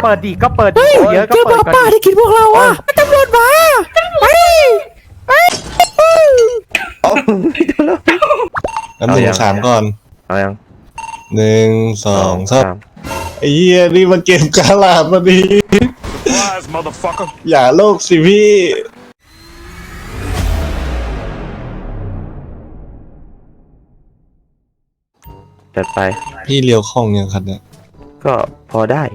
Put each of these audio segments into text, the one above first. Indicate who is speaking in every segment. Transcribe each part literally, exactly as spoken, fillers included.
Speaker 1: เปิดดิก็เปิดดิเยอะก็
Speaker 2: เจอ
Speaker 1: เปิด
Speaker 2: ป้าที่กินพวกเราอ่ะตำรวจมาไปไป
Speaker 3: น้ำหนึ่งสามก่อน
Speaker 1: เอายัง
Speaker 3: หนึ่งสองสามไอ้เหี้ยนี่มันเกมกาลาดมาดีอย่าโลกสิพี่
Speaker 1: จัดไป
Speaker 3: พี่เลี้ยวคล่องยังคันเนี่ย
Speaker 1: ก็พอได้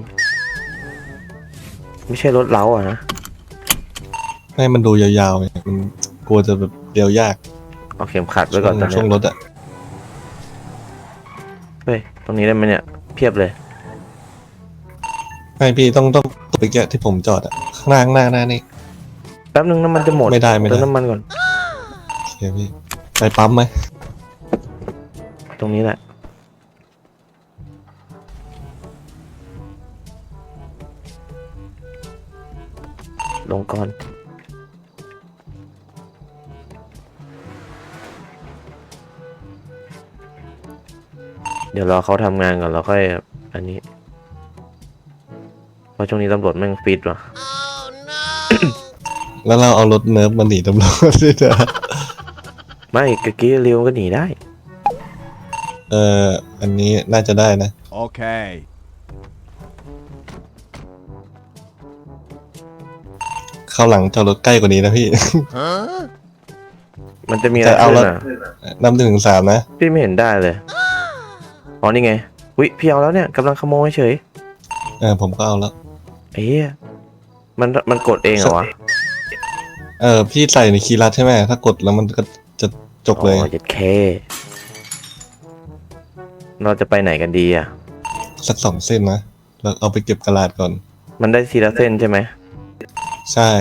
Speaker 1: ไม่ใช่รถเล้าอ่ะนะ
Speaker 3: ให้มันดูยาวๆไงมันกลัวจะแบบเลี้ยวยาก
Speaker 1: เอาเข็มขัดไว้ก่อนตอนนี้
Speaker 3: ช่วงรถอ่ะ
Speaker 1: เฮ้ยตรงนี้ได้ไหมเนี่ยเพียบเลย
Speaker 3: ไม่พี่ต้องต้องไปแกะที่ผมจอดอ่ะข้างหน้าข้างหน้าหน้านี่
Speaker 1: แป๊บนึงน้ำมันจะหมด
Speaker 3: ไม่ได้ไม่ได้
Speaker 1: เติมน้ำมันก่อน
Speaker 3: โอเคพี่ไปปั๊มไหม
Speaker 1: ตรงนี้แหละลงก่อนเดี๋ยวรอเขาทำงานก่อนแล้วค่อยอันนี้เพราะช่วงนี้ตำรวจแม่งฟิตว่ะ
Speaker 3: แล้วเราเอารถเนิร์ฟมาหนีตำรวจด้วยเถอะ
Speaker 1: ไม่กะกี้เร็วก็หนีได้
Speaker 3: เอออันนี้น่าจะได้นะ
Speaker 4: โอเค
Speaker 3: เข้าหลังจอดรถใกล้กว่านี้นะพี่
Speaker 1: มันจะมีอะไรขึ้นอ่ะ
Speaker 3: นำหนึ่งถึงสามนะ
Speaker 1: พี่ไม่เห็นได้เลยอ๋อนี่ไงวิพี่เอาแล้วเนี่ยกำลังขโมยเฉย
Speaker 3: เออผมก็เอาแล้ว
Speaker 1: เอ๊ะมันมันกดเองเหรอวะ
Speaker 3: เออพี่ใส่ในคีย์ลัดใช่ไหมถ้ากดแล้วมันก็จะจบเลย
Speaker 1: อ๋อเจ็ดเคเราจะไปไหนกันดีอ่ะ
Speaker 3: สักสองเส้นนะแล้วเอาไปเก็บกระดาษก่อน
Speaker 1: มันได้ทีละเส้นใช่ไหม
Speaker 3: ใช่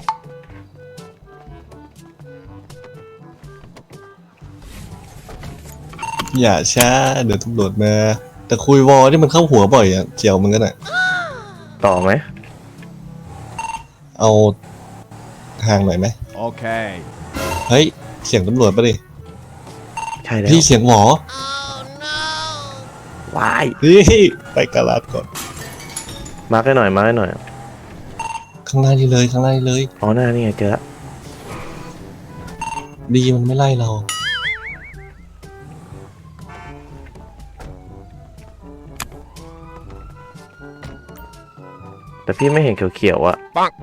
Speaker 3: อย่าช้าเดี๋ยวตำรวจมาแต่คุยวอที่มันเข้าหัวบ่อยอ่ะเจียวมันก็น่ะ
Speaker 1: ต่อไหม
Speaker 3: เอาห่างหน่อยไหม
Speaker 4: โอเค
Speaker 3: เฮ้ยเสียงตำรวจปะดิ
Speaker 1: ใช่แล้ว
Speaker 3: พี่เสียงหมอ
Speaker 1: วาย
Speaker 3: นี่ไปกระดาษก่อน
Speaker 1: มาร์กให้หน่อยมาร์กให้หน่อย
Speaker 3: ข้างหน้านี่เลยข้างหน้านี่เลย
Speaker 1: อ๋อหน้านี่ไงเจอละ
Speaker 3: ดีมันไม่ไล่เรา
Speaker 1: แต่พี่ไม่เห็นเขียวๆอ่ะปัง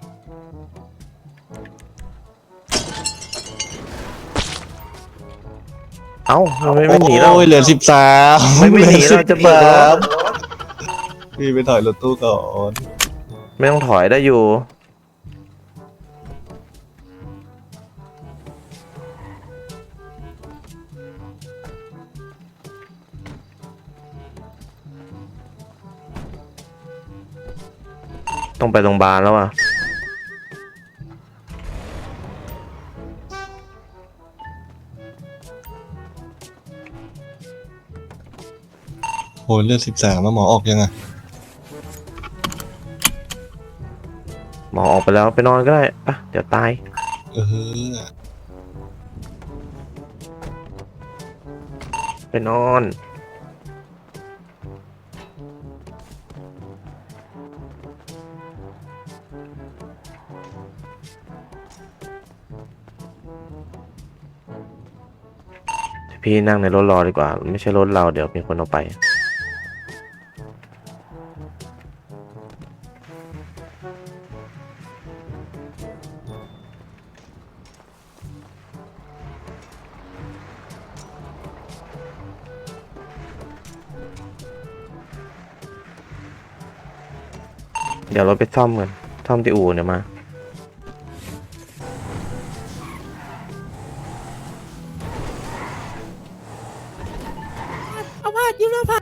Speaker 1: เอ้าเราไม่ไม่หนีเรา
Speaker 3: โอ้ยเหลือสิบสาม
Speaker 1: ไม่ไม่หนีเราจะเปิดแล้ว
Speaker 3: พี่ไปถอยรถตู้ก่อน
Speaker 1: ไม่ต้องถอยได้อยู่ต้องไปโรงพยาบาลแล้วอ่ะ
Speaker 3: โหเลือดสิบสามแล้วหมอออกยังไง
Speaker 1: หมอออกไปแล้วไปนอนก็ได้ปะเดี๋ยวตาย
Speaker 3: เออ
Speaker 1: ไปนอนพี่นั่งในรถรอดีกว่าไม่ใช่รถเราเดี๋ยวมีคนเอาไปเดี๋ยวเราไปซ่อมกันซ่อมที่อู่เนี่ยมา
Speaker 2: เอาผ้ายืมเอาผ้า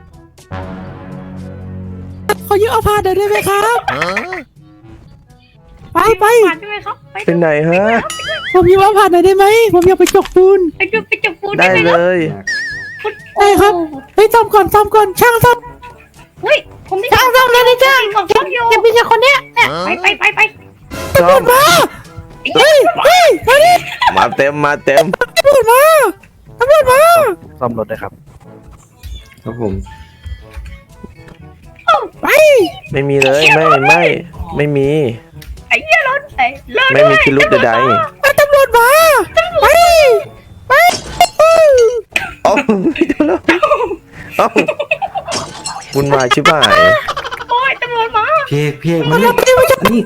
Speaker 2: ขอยืมเอาผ้าได้ไหมครับไปไป
Speaker 1: เป็นไหนฮะ
Speaker 2: ผมยืมเอาผ้าหน่อยได้ไหมผมอยากไปจกปูน
Speaker 5: ไปจกไปจกปูน
Speaker 1: ได้เลย
Speaker 2: ได้ครับไปซ่อมก่อนซ่อมก่อนช่างซ่อม
Speaker 5: เฮ้ยผมได้
Speaker 2: ช่างซ่อมเลยนะจ้าง
Speaker 5: ของเขาอยู่
Speaker 2: จะมีแต่คนเนี้ย
Speaker 5: ไปไปไปไป
Speaker 2: ตำรวจมาเฮ้ยเฮ้ยมาดิ
Speaker 1: มาเต็มมาเต็ม
Speaker 2: ตำรวจมาตำรวจมา
Speaker 1: ซ่อมรถได้ครับครับผม
Speaker 2: ไป
Speaker 1: ไม่มีเลยไม่ไม่ไม่มี
Speaker 5: ไอ้เหี้ยรถไอ้รถ
Speaker 1: ไม่มีพิรุธใด
Speaker 2: ไอ้ตำรวจมาไปไป
Speaker 1: ๆเอ้าเอ้าวุ่นวายชิบหาย
Speaker 5: โอ้ยตำรวจมา
Speaker 4: พี่เอกพี่เอกมานี่นี่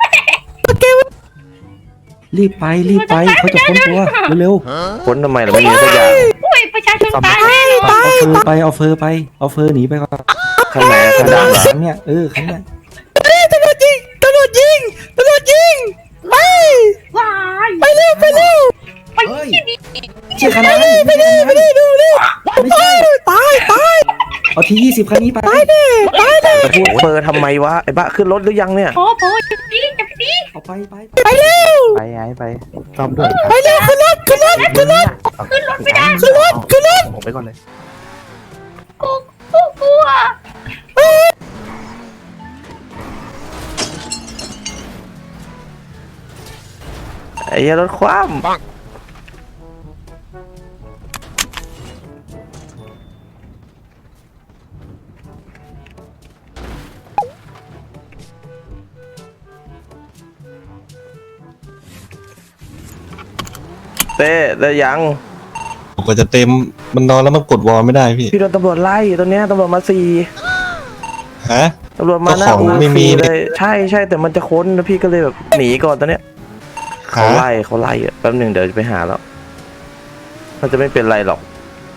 Speaker 4: รีบไปรีบไปเขาจะค้นตัวเร็ว
Speaker 1: ค้นทำไมล่ะไม่มีสักอย่าง
Speaker 5: โอ้ยประชาชนตายแน่นอน
Speaker 4: ๆเอาเฟอร์ไปเอาเฟอร์ไปเอาเฟอร์หนีไปก่อน
Speaker 1: ข้างไหนข้างดำเหรอ
Speaker 4: คันเนี่ยเออคันเนี่ย
Speaker 2: ตำรวจยิงตำรวจยิงตำรวจยิงไป
Speaker 5: ว้าย
Speaker 2: ไปเร็วไปเร็ว
Speaker 5: ไปที่นี่
Speaker 4: เชี่ยคันนั้นไม่ใช่
Speaker 2: ไปดิดูดิ
Speaker 4: ไม่ใช่
Speaker 2: ตายตาย
Speaker 4: เอาทียี่สิบคันนี้ไป
Speaker 2: ตายดิตายดิ
Speaker 1: จะพูดเฟอร์ทำไมวะไอ้บ้าขึ้นรถหรือยังเนี่ย
Speaker 5: โอ้โหจะดีจะดี
Speaker 4: เอาไปไป
Speaker 2: ไปเร็ว
Speaker 1: ไปไงไปซ่อมด้วย
Speaker 2: ไปเร็วขึ้นรถขึ้นรถขึ้นรถ
Speaker 5: ขึ้นรถไม่ได้
Speaker 2: ขึ้นรถขึ้นรถ
Speaker 1: ผมไปก่อนเลย
Speaker 5: กูกูกลัว
Speaker 1: ไอ้เหี้ยรถคว่ำเต้ได้ยัง
Speaker 3: ผมก็จะเต็มมันนอนแล้วมันกดวอลไม่ได้พี่
Speaker 1: พี่โดนตำรวจไล่ตอนเนี้ยตำรวจมาสี่
Speaker 3: ฮะ
Speaker 1: ตำรวจมาหน้า
Speaker 3: เจ้าของ
Speaker 1: อู่
Speaker 3: ไม่มี
Speaker 1: สี่เลยใช่ใช่แต่มันจะค้นแล้วพี่ก็เลยแบบหนีก่อนตอนเนี้ยเขาไล่เขาไล่อะแป๊บหนึ่งเดี๋ยวจะไปหาแล้วมันจะไม่เป็นไรหรอก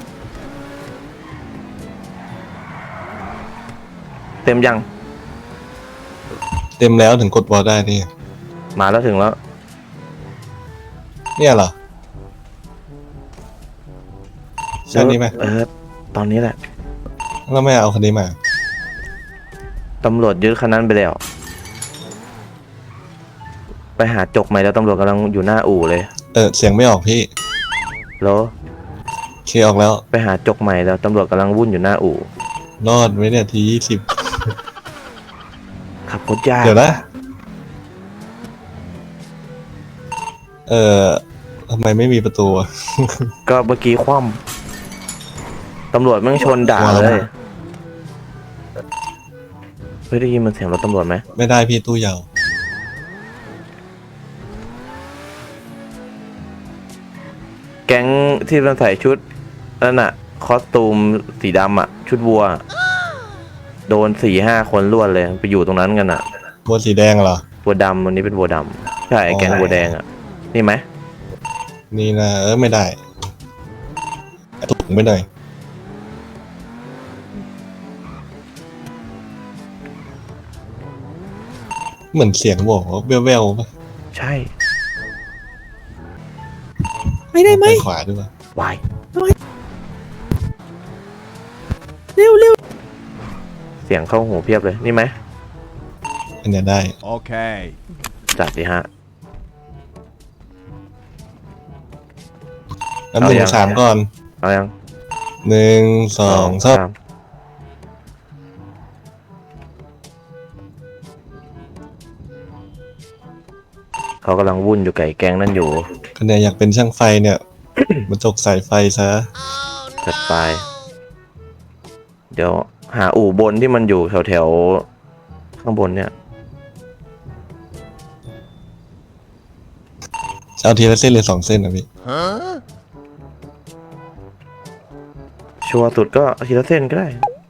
Speaker 1: เต็มยัง
Speaker 3: เต็มแล้วถึงกดวอลได้นี่
Speaker 1: มาแล้วถึงแล้ว
Speaker 3: เนี่ยเหรอใช่นี้ไหม
Speaker 1: เออตอนนี้แหละ
Speaker 3: แล้วไม่เอาคันนี้มา
Speaker 1: ตำรวจยึดคันนั้นไปแล้ว ไปหาจกใหม่แล้วตำรวจกำลังอยู่หน้าอู่เลย
Speaker 3: เออเสียงไม่ออกพี่
Speaker 1: แล้ว
Speaker 3: เคออกแล้ว
Speaker 1: ไปหาจกใหม่แล้วตำรวจกำลังวุ่นอยู่หน้าอู่
Speaker 3: รอดไหมเนี่ยทียี่สิบ
Speaker 1: ขับรถยาก
Speaker 3: เดี๋ยวนะ เออทำไมไม่มีประตูอะ
Speaker 1: ก็เมื่อกี้คว่ำตำรวจแม่งชนด่าเลยเฮ้ยได้ยินมันเสียงรถตำรวจไหม
Speaker 3: ไม่ได้พี่ตู้ยาว
Speaker 1: แก๊งที่มันใส่ชุดนั่นน่ะคอสตูมสีดำอ่ะ ชุดวัว โดนสี่ห้าคนรวดเลยไปอยู่ตรงนั้นกันอ่ะ
Speaker 3: บัวสีแดงเหรอ
Speaker 1: วัวดำวันนี้เป็นวัวดำใช่แก๊งวัวแดงอ่ะนี่ไหม
Speaker 3: นี่นะเออไม่ได้ถุงไปหน่อยเหมือนเสียงบอกว่าแว่วๆป่ะ
Speaker 1: ใช่
Speaker 2: ไม่ได้ไหม
Speaker 3: ปขวาด้วยป่ะ
Speaker 1: วาย
Speaker 2: เร็วเร็ว
Speaker 1: เสียงเข้าหูเพียบเลยนี่ไหม
Speaker 3: อันเนี้ยได้
Speaker 6: Okay.
Speaker 1: จัดสิฮะ
Speaker 3: แล้วหนึ่ง
Speaker 1: เอายัง
Speaker 3: สามก่อน
Speaker 1: เอายัง
Speaker 3: หนึ่งสองสาม
Speaker 1: มเขากำลังวุ่นอยู่กับไอ้แก๊งนั่นอยู่
Speaker 3: คะแนนอยากเป็นช่างไฟเนี่ย มาจกสายไฟซะ
Speaker 1: จัดไป เดี๋ยวหาอู่บนที่มันอยู่แถวแถวๆข้างบนเนี่ย
Speaker 3: จะเอาทีละเส้นหรือสองเส้นนะพี่
Speaker 6: Huh?
Speaker 1: ชัวร์สุดก็อาทีละเส้นก็ได้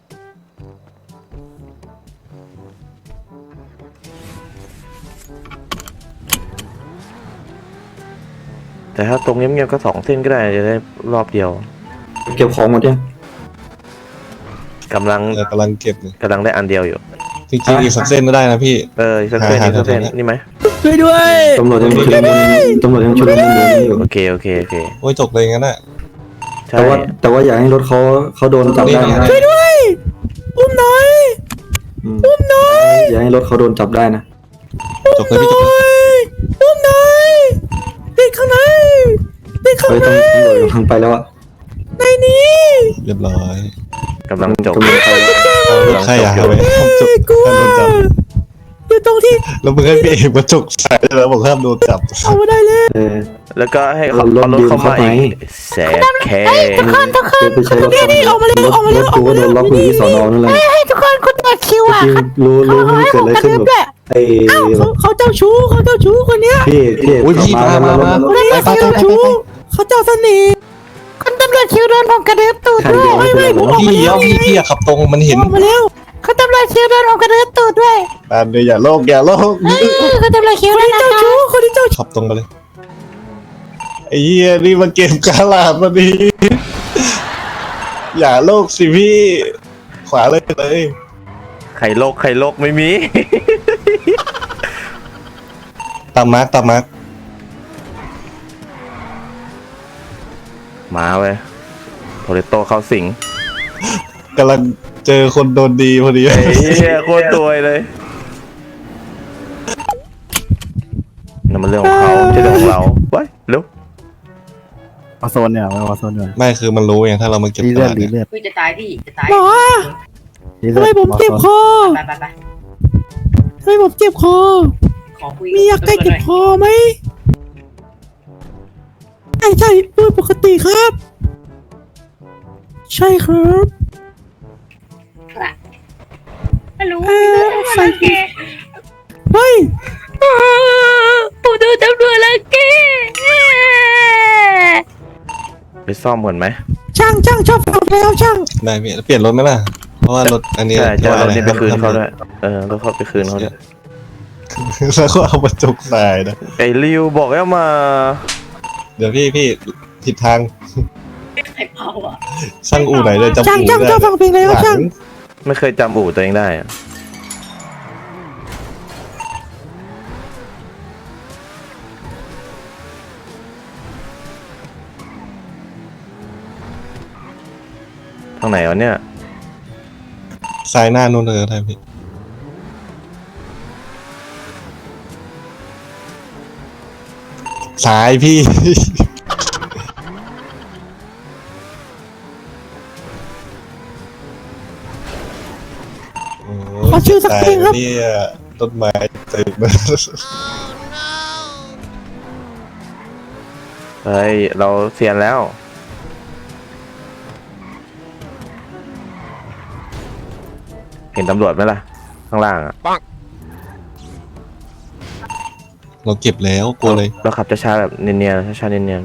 Speaker 1: แต่ถ้าตรงเงียบๆก็สองเส้นก็ได้จะได้รอบเดียว
Speaker 4: เก็บของหมดยัง
Speaker 1: กำลัง
Speaker 3: เออกำลังเก็บอยู่
Speaker 1: กำลังได้อันเดียวอยู่
Speaker 3: จริงๆอีกสักเส้นก็ได้นะพี่
Speaker 1: เอออีกสักเส้น
Speaker 3: หา
Speaker 1: อีกสักเส้น
Speaker 3: หา
Speaker 1: นี่ไหม
Speaker 2: ช่วยด้วย
Speaker 4: ตำรวจยังชุลมุนตำรวจยังชุลมุนอยู่
Speaker 1: โอเคโอเคโอเค
Speaker 3: โอ้ยจกเลยงั้นน่ะ
Speaker 1: ใช่
Speaker 4: แต่ว่าแต่ว่าอย่าให้รถเขาเขาโดนจับได้นะ
Speaker 2: ช่วยด้วยอุ้มหน่อย
Speaker 4: อืมอย่าให้รถเขาโดนจับได้นะ
Speaker 3: จกเลยพี่จกเลย
Speaker 2: อุ้มหน่อยติดข้างในติดข้าง
Speaker 4: เฮ้ย
Speaker 2: ใน
Speaker 4: ตำรวจกำลังไปแล้วอะ
Speaker 2: ในนี้
Speaker 3: เรียบร้อย
Speaker 1: กำลังจบ
Speaker 4: กำลังไปแล้ว
Speaker 3: เอาใช่อะเอาไว้จก
Speaker 2: กลัว
Speaker 3: ถ้าโดนจับ
Speaker 2: อยู่ตรงที่
Speaker 3: แล้วมึงให้พี่เอกมาจกใส่แล้วบอกห้ามโดนจับ
Speaker 2: เอามาได้เลย
Speaker 4: เออ
Speaker 1: แล้วก็ให้เขา
Speaker 4: รถ
Speaker 1: เอารถเข้ามา
Speaker 4: ยืมเข้าไป
Speaker 1: อีกแสบแค่
Speaker 2: ทุกคนทุกคน
Speaker 4: ไปใช้รถ
Speaker 2: นี่นี่ออกมาเร็วออกมาเร็ว
Speaker 4: รถ
Speaker 2: ออก
Speaker 4: กู
Speaker 2: มา
Speaker 4: ก็โด
Speaker 2: เร็วน
Speaker 4: ล็อกอยู่ที่สอนอนั่นแหละ
Speaker 2: ให้ทุกคนคุณตัดคิวอ่ะ
Speaker 4: จริงรู้รู้ไม่เกิดอะไรขึ้นแบบไอ้
Speaker 2: เขาเขาเจ้าชู้เขาเจ้าชู้คนเนี้ย
Speaker 4: พี่พี่
Speaker 3: อุ้ยพี่มามามา
Speaker 2: คนนี้เขาเจ้าชู้เขาเจ้าเสน่ห์คนตำรวจคิวโดนผมกระเด็บตูดด้วยไม่ไม่ผมออก
Speaker 3: พี่
Speaker 2: มา
Speaker 3: เลี้
Speaker 2: แล้
Speaker 3: ยว
Speaker 2: ว
Speaker 3: พี่พี่อะขับตรงมันเห็น
Speaker 2: ออกมาแล้วเขาตำรวจคิวโดนผมกระเด็บตูดด้วย
Speaker 3: อันเดียวอย่าโลกอย่าโลก
Speaker 2: เขาตำรวจคิวคนนี้เจ้าชู้คนนี้เจ้าชู้
Speaker 3: ขับตรงไปเลยไอ้เหี้ยนี่มาเก็บกาลาดมาดีอย่าโลกสิพี่ ขวาเลยเลย
Speaker 1: ไข่โลกไข่โลกไม่มี
Speaker 3: ตามมาร์กตามมาร์ก
Speaker 1: มาเว้ยโทเรโตเข้าสิง
Speaker 3: กำลังเจอคนโดนดีพอดี
Speaker 1: ไอ้เหี้ยโคตรตัวยเลยนั่นมันเรื่องของเขาไม่ใช่เรื่องของเราไว้เร็ว
Speaker 6: วอโซนเนี่ยวอโซนเนี่ย
Speaker 3: ไม่คือมันรู้ไงถ้าเรามาเก็บ
Speaker 6: รี
Speaker 3: ก
Speaker 6: เลือ
Speaker 3: ระ
Speaker 6: ด
Speaker 3: ดาษ
Speaker 6: รี
Speaker 3: เนี่ย
Speaker 6: เลือด
Speaker 5: คุยจะตายพี่จะตาย
Speaker 2: หมอ
Speaker 6: รีเลื
Speaker 2: ทำ
Speaker 6: อด
Speaker 2: ไมผมเจ็บคอ
Speaker 5: ไปไปไป
Speaker 2: ทำไมผมเจ็บคอ
Speaker 5: ขอคุย
Speaker 2: มียาแก้เจ็บคอไหมใช่ใช่โดยปกติครับ ใช่ครับ
Speaker 5: ฮัลโหล
Speaker 2: เออใส่
Speaker 5: แก
Speaker 2: เฮ้ย
Speaker 5: ผมโดนตำรวจลังแก
Speaker 1: ไปซ่อมก่อนไหม
Speaker 2: ช่างช่างชอบฟังแล้วช่าง
Speaker 3: ได้พี่เปลี่ยนรถไหมล่ะ เพราะว่ารถอันนี้
Speaker 1: ใช่ใช่รถนี้ไปคืน
Speaker 3: ห้ม
Speaker 1: เขาด้วยเออรถเขาไปคืนเขาด้วย
Speaker 3: แล้วก็เอามาจกใส่นะ
Speaker 1: ไอ้ริวบอกให้มา
Speaker 3: เดี๋ยวพี่พี่ผิดทาง
Speaker 5: ใครเผาอ่ะ
Speaker 3: ช่างอู่ไหนเลยจำ
Speaker 2: ช่าง
Speaker 3: อู่
Speaker 2: ช่าง
Speaker 3: ได้
Speaker 2: ชอบฟังเพลงแล้ว
Speaker 3: หลั
Speaker 2: ช่าง
Speaker 3: ง
Speaker 1: ไม่เคยจำอู่ตัวเองได้อะทางไหนวะเนี่ย
Speaker 3: ซ้ายหน้านู่นเลยได้พี่ซ้ายพี่
Speaker 2: ขอชื่อสักเพลงครับ
Speaker 3: เนี่ยต้นไม้เต็มเลย
Speaker 1: เฮ้ย เราเซียนแล้ว เห็นตำรวจไหมล่ะ ข้างล่างอ่ะ
Speaker 3: เราเก็บแล้วกลัวเลย
Speaker 1: เราขับช้าๆแบบเนียนๆช้าๆเนียน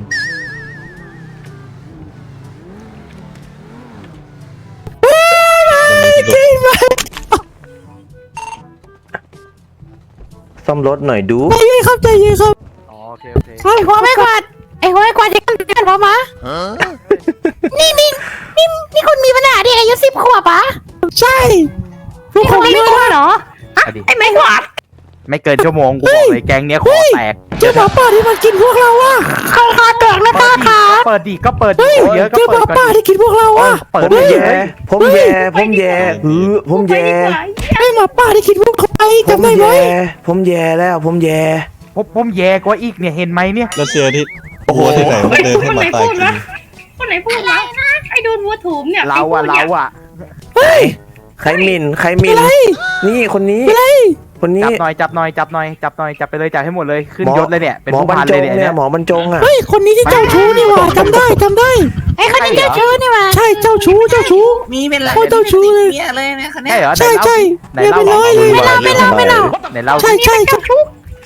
Speaker 1: ๆซ่อมรถหน่อยดู
Speaker 2: ใจเย็นครับใจเย็นครับ
Speaker 6: อ๋อโอเคโอเค
Speaker 2: ไอ้หัวไม่กวาดไอ้หัวไม่กวาดจะกันกันผมมานี่นี่นี่นี่คุณมีปัญหาเด็กอายุสิบขวบปะใช่ลูกผมไม่กวาดเหรอ
Speaker 5: ไอ้ไม่กวาด
Speaker 6: ไม่เกินชั่วโมงกูบอกเลยแก๊งเนี้ยคอแตก
Speaker 2: เจ้าหมาป่าที่มันกินพวกเราอะคอคอแตกแล้วป้าขา
Speaker 6: เปิดดีก็เปิดดี
Speaker 2: เฮ้ย
Speaker 6: เยอะก็
Speaker 2: เจ้าห
Speaker 6: เปิ
Speaker 2: มา
Speaker 6: ดก่
Speaker 2: ป่า
Speaker 6: อน
Speaker 2: ที่กินพวกเราอะ
Speaker 6: เปิ
Speaker 1: ผ
Speaker 6: ด
Speaker 1: ม
Speaker 6: ดี
Speaker 1: แย่ผมแย่ผมแย่เออผมแย่
Speaker 2: ไอ้หมาป่าที่กินพวกเขาไป
Speaker 1: ผม
Speaker 2: จำได้ไหม
Speaker 1: แย่ผมแย่แล้วผมแย่
Speaker 6: ผมผมแย่กว่าอีกเนี่ยเห็นไหมเนี่ย
Speaker 3: แล้วเชียร์ที่โอ้โหที่ไหนมาเดินให้หมาตายกิน
Speaker 5: คนไหนพูดวะไอ้โดนวัวถูมเนี่ย
Speaker 6: เราอะเราอะ
Speaker 2: เฮ้ย
Speaker 1: ใครหมินใครหมิน
Speaker 2: อะไร
Speaker 1: นี่คนนี้
Speaker 2: อะไร
Speaker 1: คนนี้
Speaker 6: จับหน่อยจับหน่อยจับหน่อยจับหน่อยจับไปเลยจับให้หมดเลยขึ้น
Speaker 1: หมอย
Speaker 6: ศเลยเนี่ยเป็น
Speaker 1: หมอ
Speaker 6: ผู้
Speaker 1: บรร
Speaker 6: พัน
Speaker 1: จ
Speaker 6: เลย
Speaker 1: ง
Speaker 6: เนี่ย
Speaker 1: เนี่
Speaker 6: เนี่ย ย
Speaker 1: หมอบรรจงอ่ะ
Speaker 2: เฮ้ยคนนี้ที่เจ้าชู้นี่หว่าจำได้จำได้ไอ้คนนี้เจ้าชู้นี่หว่าใช่เจ้าชู้เจ้าชู้
Speaker 7: มีเป็นไร
Speaker 2: โคตรเจ้าชู้เลย
Speaker 7: มีอะไรเนี่ยคนเนี้
Speaker 6: ใช่
Speaker 7: ย
Speaker 6: เหรอ
Speaker 2: ใช่ใช่
Speaker 6: ไหน
Speaker 2: เรียบ
Speaker 6: เล่า
Speaker 2: ร้อยเลย
Speaker 1: ไม่เล่าไม่เล่าไม่เล่า
Speaker 6: ไหนเล่า
Speaker 2: ใช่ใช่เจ้าชู้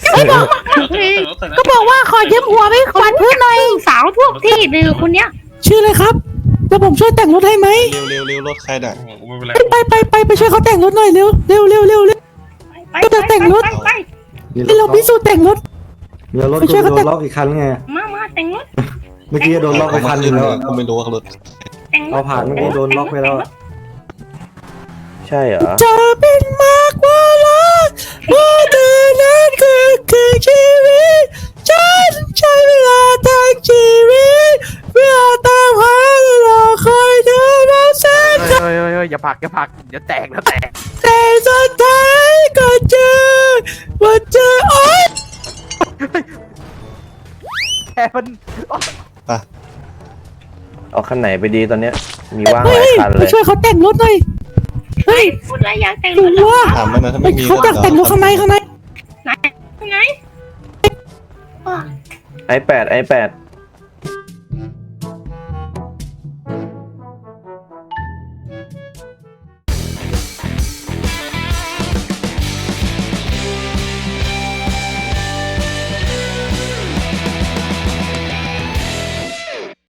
Speaker 2: ก็บอกว่าขอยืมหัวไปขวัญเพื่อนหน่อย
Speaker 5: สาวพวกที่ดื้อคนเนี้ย
Speaker 2: ชื่ออะไรครับแล้วผมช่วยแต่งรถให้ไหม
Speaker 3: เร็วเร็วเร็วรถใครน่ะ
Speaker 2: ไปไปไปไปช่วยเขาแต่งรถหน่อยเร็วเร็วเร็วเร็วเร็ว
Speaker 5: ไป
Speaker 2: ก็จะแต่งรถ
Speaker 5: ไปไป
Speaker 2: ให้เราพิสูจน์แต่งรถ
Speaker 4: เดี๋ยวรถ
Speaker 2: ไม่
Speaker 4: กู
Speaker 2: ใช่เขา
Speaker 4: โด
Speaker 2: แต่
Speaker 4: นล็อกอีกคันไง
Speaker 5: มามาแต่งรถ
Speaker 4: เมื่อกี้โดนล็อกไปคันหนึงแล้ว
Speaker 3: ก็ไม่รู้ว่ารถ
Speaker 5: แต่งรถ
Speaker 4: เอาผ่านเมื่อกี้โดนล็อกไปแล้วอะ
Speaker 1: ใช่เหรอ
Speaker 2: จะเป็นมากกว่ารักว่าเธอนั้นคือคือชีวิตฉันใช้เวลาทั้งชีวิตเพื่อตามหาและรอคอยเธอมาแสน
Speaker 6: เฮ้ยเฮ้ยเฮ้ยอย่าผลักอย่าผลักเดี๋ยวแตกแล้วแตก
Speaker 2: แต่สุดท้ายก็เจอว่าเจอโอ๊ย
Speaker 6: แค่มัน
Speaker 1: เอาคันไหนไปดีตอนเนี้ย มีว่างห
Speaker 2: เฮ้
Speaker 1: ลาย
Speaker 2: ย
Speaker 1: คัน
Speaker 2: ไป
Speaker 1: เลย
Speaker 2: ช่วยเขาแต่งรถหน่อย
Speaker 5: เฮ้ยพูดอะไรอยากแต่ง
Speaker 2: ห
Speaker 5: ร
Speaker 2: นู
Speaker 5: ถเหรอ
Speaker 2: ว่า
Speaker 3: ถามมันนะถ้าไม่มี
Speaker 2: เขาอยากแต่งรถข้างในข้างใน
Speaker 5: ไหนไหน
Speaker 1: ไอแปดไอแปด